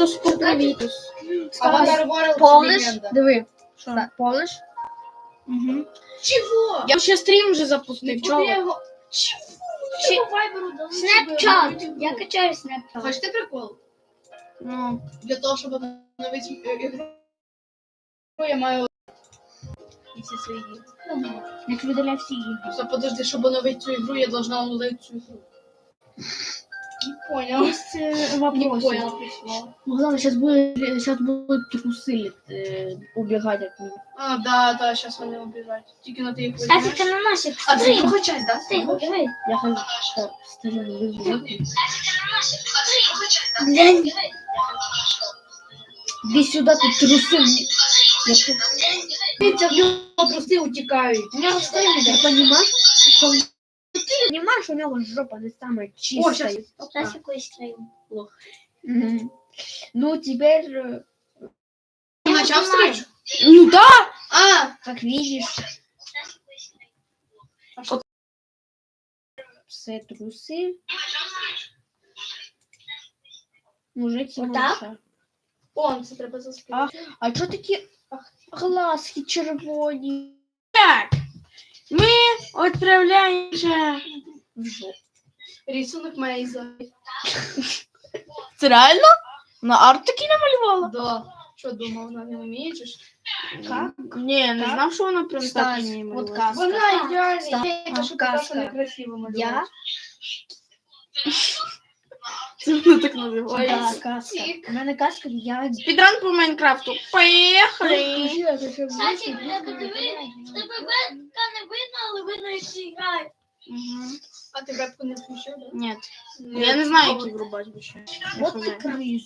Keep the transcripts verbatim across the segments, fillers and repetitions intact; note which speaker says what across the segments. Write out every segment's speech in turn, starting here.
Speaker 1: спортивітус.
Speaker 2: Повниш?
Speaker 1: Диви.
Speaker 2: Що?
Speaker 1: Повниш?
Speaker 2: Угу.
Speaker 3: Чего?
Speaker 1: Я ще стрім вже запустив. Чого?
Speaker 3: Чего? Чего вайберу дали?
Speaker 2: Снапчат. Я качаю снапчат.
Speaker 3: Хочете прикол?
Speaker 1: Ну,
Speaker 3: Для того, щоб обновити ігру, я маю і всі свої ігри.
Speaker 2: Я видаляю всі ігри.
Speaker 3: Просто подожди, щоб оновити цю ігру, я должна оновити цю ігру. Не понял.
Speaker 2: Есть э,
Speaker 3: Не
Speaker 2: вопросы.
Speaker 3: понял, пришло.
Speaker 1: ну главное, сейчас будет, сейчас будут трусы э, убегать от них.
Speaker 3: А, да, да, сейчас вони убіжать. Тільки на ти їх
Speaker 2: Кстати,
Speaker 3: візьмеш.
Speaker 2: ты на наших
Speaker 3: А це
Speaker 2: стрим.
Speaker 3: друга часть, да?
Speaker 2: Ты его давай.
Speaker 1: Я хочу, что стою вызову.
Speaker 2: Глянь.
Speaker 1: Иди сюда, ты трусы.
Speaker 3: Дивіться, в нього труси утікають.
Speaker 2: У него стрим
Speaker 1: Ты
Speaker 2: идет.
Speaker 1: понимаешь, что ты понимаешь, у него жопа не самая
Speaker 3: О,
Speaker 1: чистая.
Speaker 3: сейчас.
Speaker 2: Сейчас какой стрим.
Speaker 1: Мгм. Ну, теперь, э,
Speaker 3: Ти почав стрім?
Speaker 1: ну да,
Speaker 3: А,
Speaker 1: как видишь,
Speaker 3: а що?
Speaker 1: все трусы. Мужик
Speaker 2: Вот так?
Speaker 1: Симонша.
Speaker 3: О, це треба заспівати.
Speaker 1: А чо такі глазки червоні? Так, ми відправляємося в жопу.
Speaker 3: Рисунок Мейза.
Speaker 1: Це реально? На арт такий намалювала?
Speaker 3: Да. Що думав, вона не вміє, чи ж?
Speaker 1: Как? Ні, не
Speaker 2: Так.
Speaker 1: знав, що вона прям так
Speaker 2: Стас,
Speaker 1: не
Speaker 2: вот
Speaker 1: малювала.
Speaker 2: казка.
Speaker 3: Вона
Speaker 2: Ста-
Speaker 3: ідеальна.
Speaker 2: ста-
Speaker 3: Я кажу,
Speaker 2: казка.
Speaker 3: така, що некрасиво малювати.
Speaker 2: Я?
Speaker 1: Це вона так називає.
Speaker 2: Да, каска. У мене каска, я...
Speaker 1: Підран по Майнкрафту. Поїхали!
Speaker 2: Кстати, я подивив, тебе вебка не видно, але видно, як ти граєш.
Speaker 1: Угу.
Speaker 3: А ти вебку не включив, да?
Speaker 1: Ні. Я не знаю, які врубати більше.
Speaker 2: Вот ты крыс.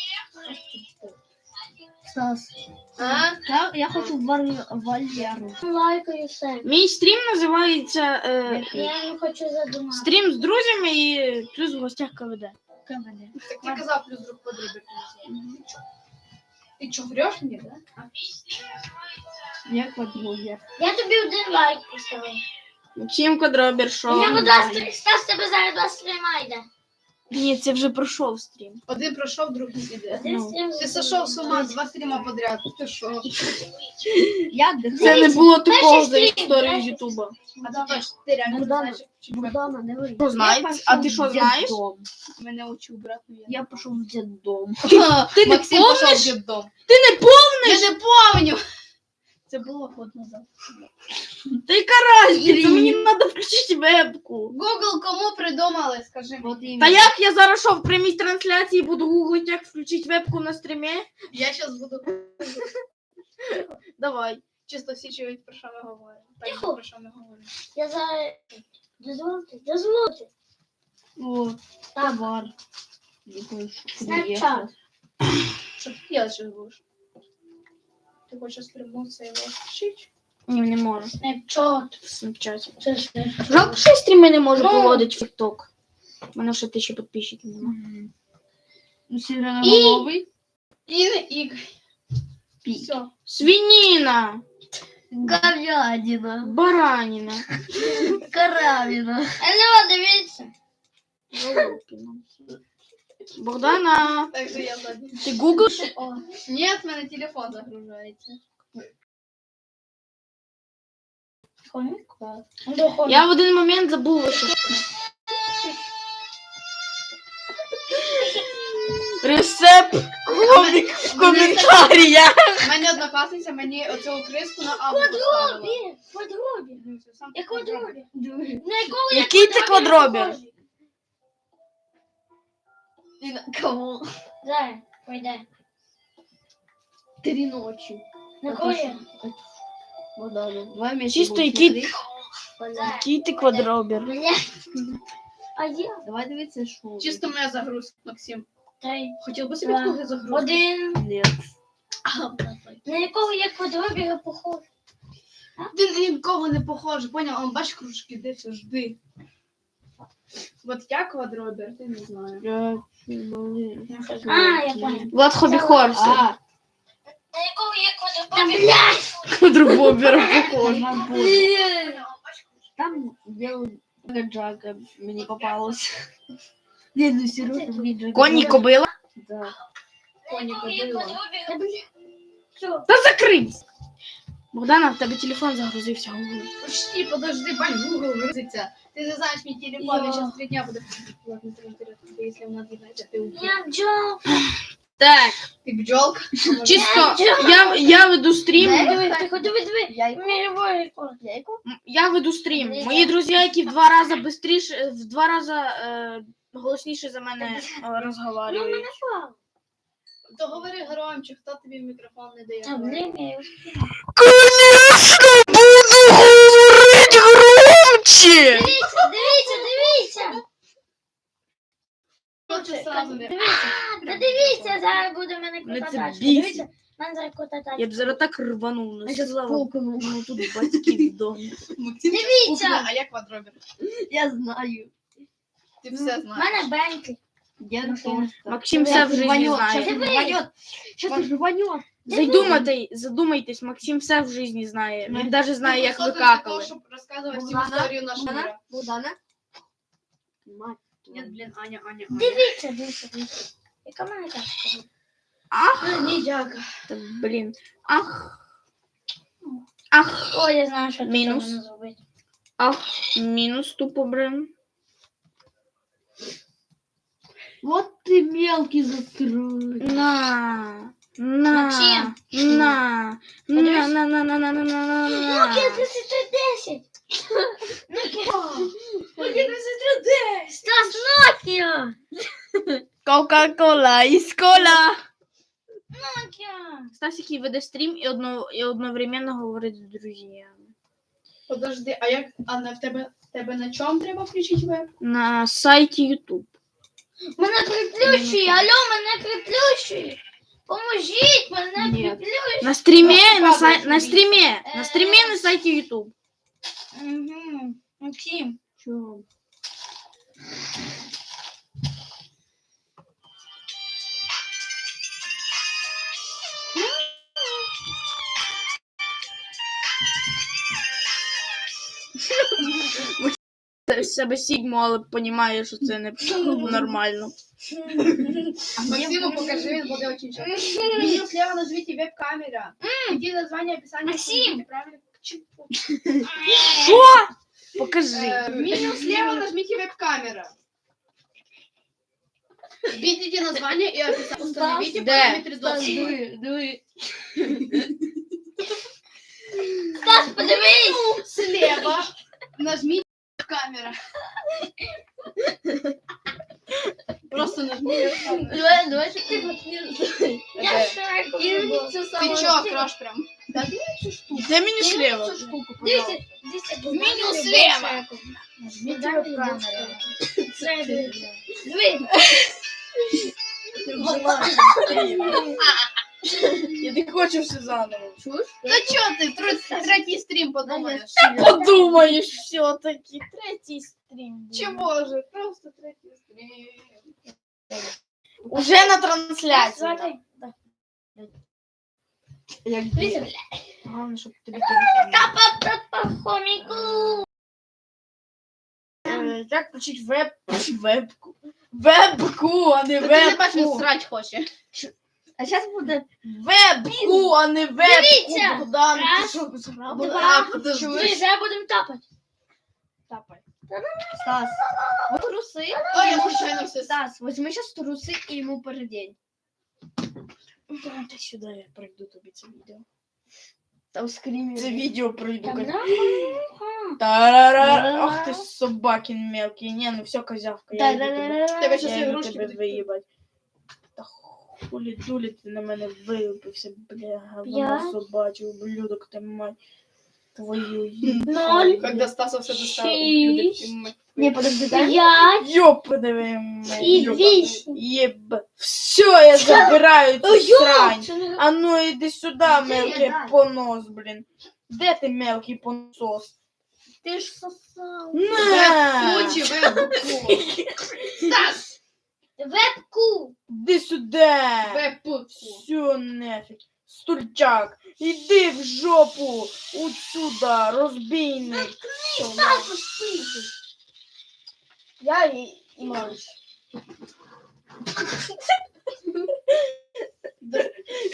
Speaker 2: Стас,
Speaker 3: А?
Speaker 2: я, я хочу в Вар- Валеру. Лайкаю все.
Speaker 1: Мій стрім називається е,
Speaker 2: Я не хочу задумати.
Speaker 1: стрім з друзями і плюс в гостях КВД.
Speaker 2: КВД.
Speaker 3: Так ти казав, плюс друг подрібок. Ти чо, врешь мені, да?
Speaker 1: Як подруги.
Speaker 2: Я тобі один лайк поставив.
Speaker 1: Чим квадробір шоу?
Speaker 2: У мене два стріма. Стас, тебе зараз два стріма йде.
Speaker 1: Ні, це вже пройшов стрім.
Speaker 3: Один пройшов, другий іде.
Speaker 2: Один
Speaker 1: Ну.
Speaker 2: стрім.
Speaker 3: Ти сошов з ума, два стріма подряд. Ти що?
Speaker 2: Я
Speaker 1: Це не було такого
Speaker 2: Перший
Speaker 1: за
Speaker 2: стрім,
Speaker 1: історію
Speaker 2: перший
Speaker 1: Ютуба.
Speaker 3: А ти точно, ти реально
Speaker 2: Богдан,
Speaker 3: знаєш, чи веб?
Speaker 2: Богдана, не говори.
Speaker 1: Що знаєш? А ти що знаєш?
Speaker 3: Мене учив брат. ну
Speaker 2: Я пішов в дитдом.
Speaker 1: Ти не
Speaker 3: Максим пішов
Speaker 1: помниш?
Speaker 3: в дитдом.
Speaker 1: Ти не помниш?
Speaker 3: Я не помню. Це було год назад.
Speaker 1: Та яка разниця? Мені треба включити вебку.
Speaker 3: Google кому придумали, скажи.
Speaker 1: Та як я зараз що, в прямій трансляції буду гуглити, як включити вебку на стрімі?
Speaker 3: Я зараз буду
Speaker 1: Давай.
Speaker 3: чисто всі чують, про що ми говоримо. Так,
Speaker 2: Тихо.
Speaker 3: про що ми говоримо.
Speaker 2: Я зараз... Дозвольте, дозвольте.
Speaker 1: О,
Speaker 2: Так,
Speaker 1: товар.
Speaker 2: Snapchat.
Speaker 3: Що ти робиш зараз будеш? Ти хочеш спрямуватися його вчити?
Speaker 1: Ні, не можу.
Speaker 2: Snapchat.
Speaker 1: В Снапчаті.
Speaker 2: Це Snapchat.
Speaker 1: Жалко, що я стріми не можу
Speaker 3: Ну.
Speaker 1: проводити в TikTok. У мене вже тисячі підписчиків немає.
Speaker 2: І...
Speaker 1: Сіреноголовий.
Speaker 3: І не ігри. Все.
Speaker 1: Свинина.
Speaker 2: Говядина.
Speaker 1: Баранина.
Speaker 2: Каравіна. Алло, дивіться.
Speaker 1: Голубкина. Богдана,
Speaker 3: Так же я задній.
Speaker 1: ти гуглиш?
Speaker 2: О,
Speaker 3: Ні, в мене телефон загружається.
Speaker 2: хомік? Так.
Speaker 1: Я в один момент забула, що... Рецепт комік в коментарях.
Speaker 3: У мене однокласниця мені оцю криску на авто поставила.
Speaker 2: Квадробі. Квадробі.
Speaker 3: Ну, це сам
Speaker 2: Я
Speaker 3: квадробір.
Speaker 2: квадробі. На якого я
Speaker 1: Який це квадробір?
Speaker 3: І на кого?
Speaker 2: Зараз, пойде.
Speaker 1: Три ночі.
Speaker 2: На кого я?
Speaker 1: Два місяці. Чисто який, який ти квадробір.
Speaker 2: Бля. А я?
Speaker 1: Давай дивитися, що.
Speaker 3: Чисто моя загрузка, Максим.
Speaker 2: Три.
Speaker 3: Хотів би собі
Speaker 2: Два.
Speaker 3: другу загрузку.
Speaker 2: Один.
Speaker 1: Ні.
Speaker 2: На якого я квадробіга похож?
Speaker 3: Ти ні в кого не похожий, поняв? Он бачиш кружки, де все, жди. От я квадробір, ти не знаю.
Speaker 2: А, я понял.
Speaker 1: Влад Хобі Хорс.
Speaker 3: А,
Speaker 2: На якого я квадробіга?
Speaker 1: Квадробір похож.
Speaker 2: Там
Speaker 1: Белый Джага мені попалось.
Speaker 2: Не, ну серьезно, мне Джага.
Speaker 1: Коні кобила.
Speaker 2: Да.
Speaker 3: Коні кобила.
Speaker 2: Що?
Speaker 1: Та закрийся! Богдана, в тебе телефон загрузився. Google.
Speaker 3: Почти, подожди, бань, Google грузиться. Ты не знаешь, мой телефон, я
Speaker 2: Я.
Speaker 3: сейчас три дня буду... Ладно, три интересно, если он надо знать, ты убьешь.
Speaker 2: Я бджол.
Speaker 1: Так,
Speaker 3: Ты бджолка?
Speaker 1: чисто, я, я веду стрім.
Speaker 2: Диви, ти ходи, диви, диви. Мировой рекорд.
Speaker 1: М, Я веду стрім. Мої друзі, які в два рази бистріше, в два рази е, голосніше за мене е,
Speaker 2: Ну,
Speaker 1: розговорюють.
Speaker 2: мене впав.
Speaker 3: То говори громче, хто тобі мікрофон не дає.
Speaker 2: А, блін, я його
Speaker 1: Конечно, буду говорити громче!
Speaker 2: Дивіться, дивіться, дивіться.
Speaker 3: Хоче сразу не...
Speaker 2: Дивіться, та дивіться, зараз буде в мене
Speaker 1: Не
Speaker 2: крута
Speaker 1: це
Speaker 2: тачка.
Speaker 1: бісить.
Speaker 2: Дивіться, в мене зараз крута тачка.
Speaker 1: Я б зараз так рванув, ну
Speaker 2: А щас
Speaker 1: слава Богу, ну тут батьки в домі.
Speaker 3: Максим
Speaker 2: Дивіться!
Speaker 3: кухня, а я квадробер.
Speaker 4: Я знаю.
Speaker 3: Ти все
Speaker 2: В
Speaker 3: знаєш.
Speaker 2: мене Бентлі.
Speaker 4: Я
Speaker 2: Ну,
Speaker 4: наконец-то.
Speaker 1: Максим все в житті
Speaker 4: Сейчас
Speaker 1: знає.
Speaker 4: рванет. Сейчас рванет.
Speaker 1: Задумайте, задумайтесь, Максим все в житті знає. Він навіть знає, як ви какали.
Speaker 3: Щоб розказувати всю
Speaker 4: Богдана?
Speaker 3: історію нашого
Speaker 4: Богдана?
Speaker 3: мира.
Speaker 4: Богдана? Мать.
Speaker 3: Ні, блін, Аня, Аня, Аня.
Speaker 2: Дивіться, дивіться, дивіться. Яка в мене тачка?
Speaker 1: Ах,
Speaker 3: Ні, дяка.
Speaker 1: та, блін. Ах. Ах.
Speaker 2: О, я знаю, що
Speaker 1: Мінус.
Speaker 2: тут можна зробити.
Speaker 1: Ах. Мінус тупо, блин.
Speaker 4: Вот ты мелкий закрой.
Speaker 1: На. На.
Speaker 2: Максим.
Speaker 1: На. На, на, на, на, на, на, на, на, на.
Speaker 2: Nokia тридцять три десять. Nokia Стас, Nokia.
Speaker 1: Кока-кола із кола.
Speaker 2: Nokia.
Speaker 1: Стасик і веде стрім і, одно, і одновременно говорить з друзями.
Speaker 3: Подожди, а як, Анна, в тебе, в тебе на чому треба включити веб?
Speaker 1: На сайті YouTube.
Speaker 2: Мене приплющує, алло, мене приплющує. Поможіть, мене
Speaker 4: Ні.
Speaker 2: приплющує.
Speaker 1: На стрімі,
Speaker 3: Просто
Speaker 1: на, сай...
Speaker 3: падає
Speaker 1: на
Speaker 3: собі.
Speaker 1: стрімі, на стрімі на сайті YouTube.
Speaker 2: Угу. Максим.
Speaker 4: Чё?
Speaker 1: В себе Сігму, але розуміє, що це не нормально.
Speaker 3: Максиму покажи, він буде очень часто. Меню слева нажмите веб-камера. Иди название описания.
Speaker 2: Максим!
Speaker 3: Правильно.
Speaker 1: Що? Покажи.
Speaker 3: Э, Меню слева нажмите веб-камера. Введите название и описание. Установите
Speaker 1: Да.
Speaker 3: параметры доступа.
Speaker 4: Дуй, дуй.
Speaker 2: Стас, подивись.
Speaker 3: Слева нажмите камера. Просто нажми веб-камеру.
Speaker 4: Давай, давай, чтобы ты подсветил.
Speaker 2: Я шарик.
Speaker 3: Ты чё, краш прям?
Speaker 1: Де мені слева?
Speaker 2: Дивіться, дивіться.
Speaker 3: Меню слева.
Speaker 2: Нажміть камеру. Диви.
Speaker 1: Я не хочу все заново.
Speaker 3: Да чё ты, тр- третий стрим подумаешь?
Speaker 1: Подумаєш все-таки. Третій стрім.
Speaker 3: Чего же? Просто третий стрим.
Speaker 1: Уже на трансляції.
Speaker 2: Смотри.
Speaker 4: Я
Speaker 2: Дивіться.
Speaker 1: Головне, щоб тобі
Speaker 2: Та-па-та-па, хоміку.
Speaker 1: Е, Як включити веб... вебку? Вебку, а не
Speaker 3: Та ти не бачиш, він
Speaker 1: вебку.
Speaker 3: срать хоче.
Speaker 4: А сейчас будет...
Speaker 1: Вебку, а не вебку.
Speaker 2: Дивіться.
Speaker 1: Богдан, ти
Speaker 2: Раз,
Speaker 1: що, зграв?
Speaker 3: А, подожди.
Speaker 2: Ми вже будемо тапати.
Speaker 1: Тапай.
Speaker 4: Стас, вот трусы.
Speaker 3: Ой, я случайно все
Speaker 4: Стас, возьми сейчас трусы и ему передень.
Speaker 1: Давайте сюди, я пройду тобі це відео.
Speaker 4: Там скример.
Speaker 1: Це відео пройду.
Speaker 2: Там,
Speaker 1: кон-
Speaker 2: да?
Speaker 1: Тарара. Ах ти собакин мелкий. Не, ну все, козявка. Я йду тебе.
Speaker 3: Тебе щас
Speaker 1: Я йду
Speaker 3: ігрушки
Speaker 1: тебе
Speaker 3: будуть.
Speaker 1: виїбать. Та хулі дулі ти на мене вилупився, бля, говно
Speaker 2: П'ять.
Speaker 1: собачий, ублюдок ти мать. Твою
Speaker 2: Ноль.
Speaker 3: Когда Стаса все достал.
Speaker 2: Шесть.
Speaker 4: Не, подожди, дай.
Speaker 2: П'ять.
Speaker 1: Ёпадове мене.
Speaker 2: І вісім.
Speaker 1: Єб. Все, я забираю цю
Speaker 2: Ой,
Speaker 1: срань.
Speaker 2: це не-
Speaker 1: А ну іди сюди, мелкий
Speaker 4: дай.
Speaker 1: понос, блін. Де ти, мелкий поносос?
Speaker 2: Ти ж сосав.
Speaker 1: На!
Speaker 3: Лучи веб-ку. Стас!
Speaker 2: Вебку.
Speaker 1: Іди сюди.
Speaker 3: Веб-ку.
Speaker 1: Все нафиг. Стульчак, іди в жопу. Отсюда, розбійник.
Speaker 2: Тату спити.
Speaker 4: Я и, и малыш.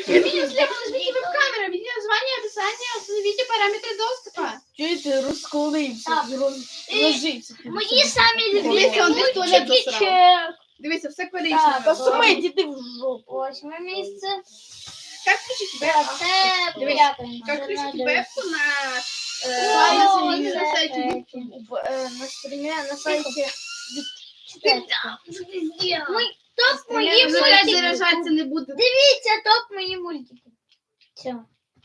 Speaker 3: Видео слева, нажмите веб-камера, видео название, описание, установите параметры доступа.
Speaker 1: Чого ти розколився,
Speaker 2: Так.
Speaker 1: роз- розжився? ти
Speaker 2: Мої
Speaker 1: собі?
Speaker 2: самі
Speaker 3: Дивіться, он десь туалет
Speaker 2: любимі
Speaker 3: засрав.
Speaker 2: чек.
Speaker 3: Дивіться, все
Speaker 1: Та
Speaker 3: коричневе.
Speaker 1: Сумить, іди в жопу.
Speaker 2: Восьме місце.
Speaker 3: Как включить веб?
Speaker 2: Це
Speaker 3: Дивись,
Speaker 2: п'яте.
Speaker 3: Как включить вебку на
Speaker 2: О,
Speaker 3: э,
Speaker 2: це
Speaker 3: на сайте
Speaker 2: третє.
Speaker 3: YouTube?
Speaker 1: В, е, на стрімі, на сайті.
Speaker 2: Мой топ мої
Speaker 3: Вже раз
Speaker 2: мультики.
Speaker 3: заряджатися не буде.
Speaker 2: Дивіться, топ мої мультики. Все.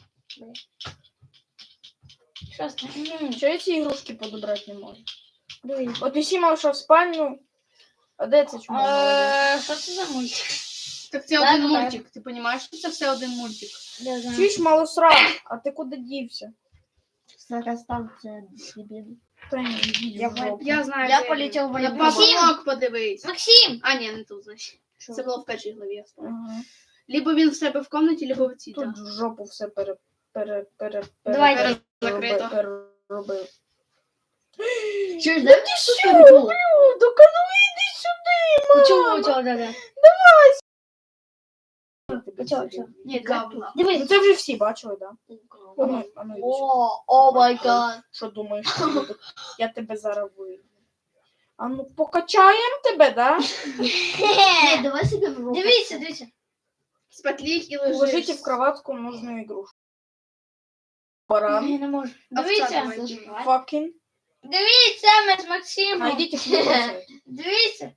Speaker 2: Що з тим?
Speaker 1: Чого я ці ігрушки подобрати не можу?
Speaker 2: Дивіться.
Speaker 1: От Усіма вийшов в спальню. А де це чому?
Speaker 2: Е, Що це за мультик?
Speaker 3: Так це
Speaker 2: Так,
Speaker 3: один
Speaker 2: так.
Speaker 3: мультик. Ти розумієш, що це все один мультик?
Speaker 2: Не знаю.
Speaker 1: Чуєш, малосрав, а ти куди дівся?
Speaker 4: Зараз там це дебіл.
Speaker 1: Та ні, йди
Speaker 4: Я
Speaker 1: в жопу.
Speaker 3: Я знаю.
Speaker 4: Я
Speaker 3: де
Speaker 4: полетів в
Speaker 3: він. На
Speaker 4: воєнкомат.
Speaker 3: папулок подивись.
Speaker 2: Максим!
Speaker 3: А, ні, не тут, значить.
Speaker 1: Що?
Speaker 3: Це було в першій главі, я спомню.
Speaker 1: Ага.
Speaker 3: Либо він в себе в комнаті, либо в цій.
Speaker 1: Тут
Speaker 3: да.
Speaker 1: в жопу все пере, пере, пере,
Speaker 2: Давайте.
Speaker 1: пере,
Speaker 3: Закрито.
Speaker 1: переробив.
Speaker 4: Чуєш, дай мені
Speaker 1: Що
Speaker 4: супер було.
Speaker 1: Людок, а ну іди сюди,
Speaker 4: Чого, чого, да, да. Чого, чого?
Speaker 3: Ні, гавла.
Speaker 1: Ну
Speaker 2: Дивись.
Speaker 1: це вже всі бачили, так? Да? А ну, а ну, іди сюди.
Speaker 4: О, о май гад.
Speaker 1: Що думаєш, що буде? Я тебе зараз вийду. А ну покачаємо тебе, да?
Speaker 4: Ні, давай собі в руку.
Speaker 2: Дивіться, дивіться.
Speaker 3: Спатлік і
Speaker 1: Уложите
Speaker 3: лежиш.
Speaker 1: в кроватку нужную игрушку. Баран.
Speaker 2: Я не можу.
Speaker 3: Овца
Speaker 2: Дивіться.
Speaker 3: давай.
Speaker 1: Fucking.
Speaker 2: Дивіться, ми з Максимом.
Speaker 1: Найдите флюоресцент.
Speaker 2: Дивіться.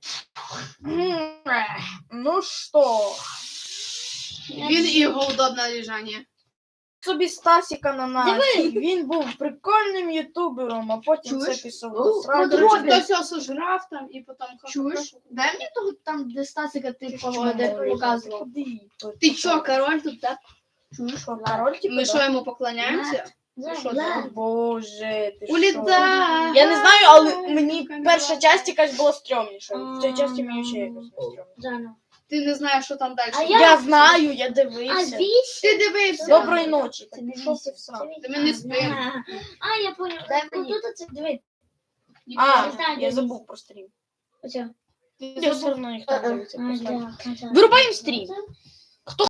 Speaker 1: Ну що?
Speaker 3: Він і його удобне лежання.
Speaker 1: Собі Стасіка на нас.
Speaker 2: Диви.
Speaker 1: Він був прикольним ютубером, а потім
Speaker 3: Чуєш?
Speaker 1: це пішов
Speaker 4: О,
Speaker 1: до сраки.
Speaker 4: ну,
Speaker 3: Короче,
Speaker 4: Робін.
Speaker 3: хтось його сожрав там і потім...
Speaker 4: Чуєш? Дай мені того там, де Стасика ти
Speaker 1: Ти
Speaker 4: погоди
Speaker 1: що,
Speaker 4: показував.
Speaker 1: Куди?
Speaker 3: Ти чо, король тут, так?
Speaker 1: Чуєш, що, король типу,
Speaker 3: Ми
Speaker 1: да?
Speaker 3: що, йому поклоняємося? Що
Speaker 1: О,
Speaker 3: це?
Speaker 1: Боже, ти що?
Speaker 3: Уліта!
Speaker 1: Я не знаю, але мені перша часть якась була стрьомніша. В цій часті мені ще якось не стрьомно.
Speaker 2: Заново.
Speaker 3: Ти не знаєш, що там далі.
Speaker 2: А
Speaker 3: буде.
Speaker 1: Я знаю, я
Speaker 2: А
Speaker 1: дивився.
Speaker 2: вісь?
Speaker 3: Ти дивився.
Speaker 1: Доброї ночі.
Speaker 4: Це не
Speaker 1: Пішов ти в сраку.
Speaker 3: Та ми не спимо.
Speaker 2: А, я понял.
Speaker 4: Дай мені.
Speaker 2: Тут це, диви.
Speaker 1: А,
Speaker 2: Не знаю,
Speaker 1: я
Speaker 2: де
Speaker 1: забув про стрім.
Speaker 2: Оце.
Speaker 1: Я все одно ніхто не дивиться.
Speaker 2: А,
Speaker 1: просто.
Speaker 2: да, да.
Speaker 1: Вирубаємо стрім.